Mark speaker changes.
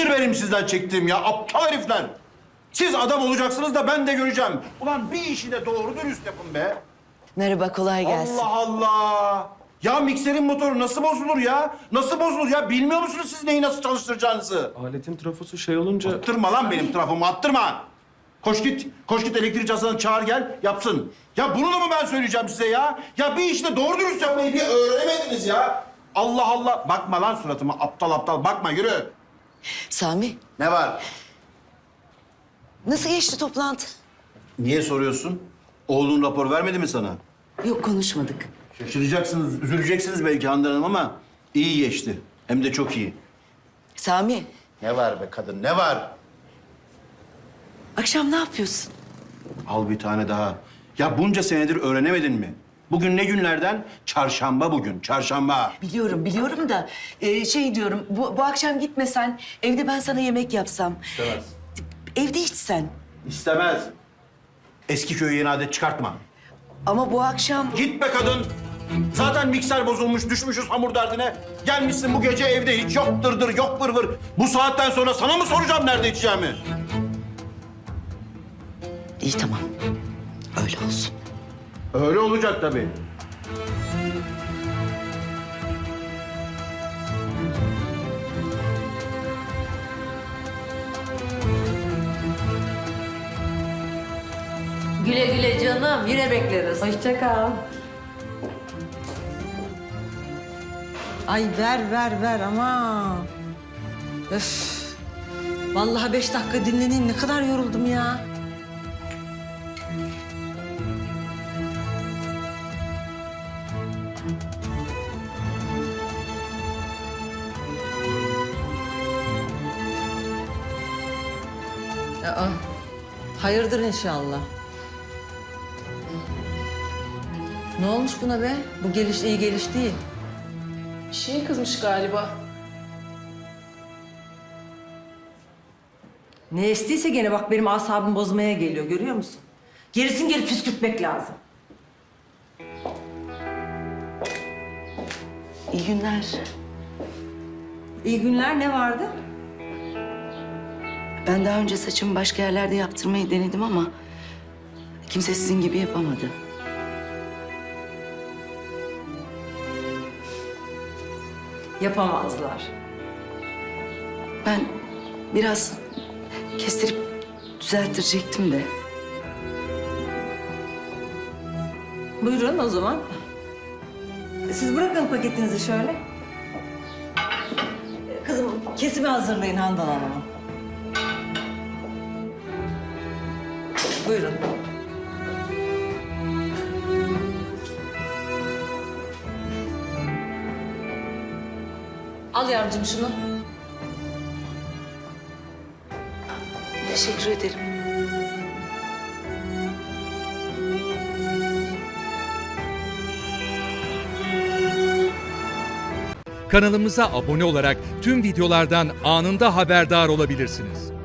Speaker 1: Nedir benim sizden çektiğim ya? Aptal herifler. Siz adam olacaksınız da ben de göreceğim. Ulan bir işi de doğru dürüst yapın be.
Speaker 2: Merhaba, kolay gelsin.
Speaker 1: Allah Allah. Ya mikserin motoru nasıl bozulur ya? Nasıl bozulur ya? Bilmiyor musunuz siz neyi nasıl çalıştıracağınızı?
Speaker 3: Aletin trafosu şey olunca...
Speaker 1: Attırma lan benim trafomu, attırma. Koş git, koş git elektrikçi Hasan'ı çağır gel, yapsın. Ya bunu da mı ben söyleyeceğim size ya? Ya bir işte doğru dürüst yapmayı bir öğrenemediniz ya. Allah Allah. Bakma lan suratıma, aptal aptal. Bakma, yürü.
Speaker 2: Sami,
Speaker 1: Ne var?
Speaker 2: nasıl geçti toplantı?
Speaker 1: Niye soruyorsun? Oğlun rapor vermedi mi sana?
Speaker 2: Yok, konuşmadık.
Speaker 1: Şaşıracaksınız, üzüleceksiniz belki Handan Hanım ama iyi geçti. Hem de çok iyi.
Speaker 2: Sami,
Speaker 1: Ne var be kadın, ne var?
Speaker 2: akşam ne yapıyorsun?
Speaker 1: Al bir tane daha. Ya bunca senedir öğrenemedin mi? Bugün ne günlerden? Çarşamba bugün, çarşamba.
Speaker 2: Biliyorum da şey diyorum, bu akşam gitmesen evde ben sana yemek yapsam.
Speaker 1: İstemez.
Speaker 2: Evde içsen.
Speaker 1: İstemez. Eski köyü yeni adet çıkartma.
Speaker 2: Ama bu akşam...
Speaker 1: Git be kadın. Zaten mikser bozulmuş, düşmüşüz hamur derdine. Gelmişsin bu gece evde hiç yok dırdır, yok vır vır. Bu saatten sonra sana mı soracağım nerede içeceğimi?
Speaker 2: İyi, tamam. Öyle olsun.
Speaker 1: Öyle olacak tabii.
Speaker 4: Güle güle canım. Yine bekleriz. Hoşça kal.
Speaker 5: Ay ver ama. Öf. Vallahi 5 dakika dinleneyim. Ne kadar yoruldum ya. Aa, hayırdır inşallah. Ne olmuş buna be? Bu geliş iyi geliş değil.
Speaker 4: Bir şeye kızmış galiba.
Speaker 5: Ne estiyse gene bak benim asabımı bozmaya geliyor, görüyor musun? Gerisin geri püskürtmek lazım.
Speaker 2: İyi günler.
Speaker 5: İyi günler, ne vardı?
Speaker 2: Ben daha önce saçımı başka yerlerde yaptırmayı denedim ama... kimse sizin gibi yapamadı.
Speaker 5: Yapamazlar.
Speaker 2: Ben biraz kestirip düzelttirecektim de.
Speaker 5: Buyurun o zaman. Siz bırakın paketinizi şöyle. Kızım, kesimi hazırlayın Handan Hanım'a. Buyurun. Al yavrucuğum şunu.
Speaker 2: Teşekkür ederim.
Speaker 6: Kanalımıza abone olarak tüm videolardan anında haberdar olabilirsiniz.